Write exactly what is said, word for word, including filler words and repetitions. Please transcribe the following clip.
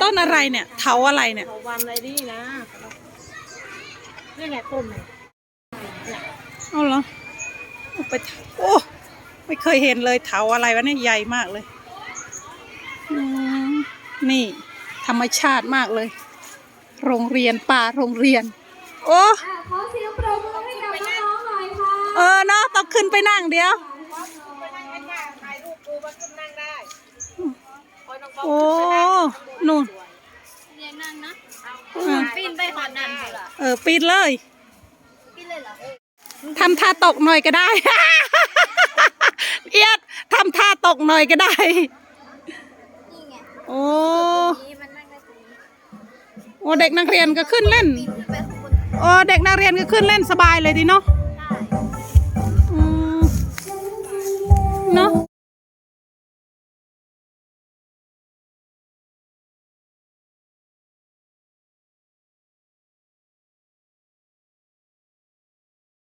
ต้นอะไรเนี่ยเถาอะไรเนี่ยเถาวันอะไรนี่นะนี่แหละต้นเนี่ยเอาเหรอไปโอ้ไม่เคยเห็นเลยเถาอะไรวะเนี่ยใหญ่มากเลยนี่ธรรมชาติมากเลยโรงเรียนป่าโรงเรียนโอ้ขอเสียงปรบมือให้กับน้องๆหน่อยค่ะเออเนาะต้องขึ้นไปนั่งเดี๋ยวโอ้นู่นเรียนนั่งนะปีนไปขอนั่งเออปีนเลยปีนเลยเหรอทำท่าตกหน่อยก็ได้ เอียดทำท่าตกหน่อยก็ได้นี่ไงโอ้มันนั่งได้ตรงนี้โอ้เด็กนักเรียนก็ขึ้นเล่นปีนขึ้นไปข้างบนโอ้เด็กนักเรียนก็ขึ้นเล่นสบายเลยดีเนาะ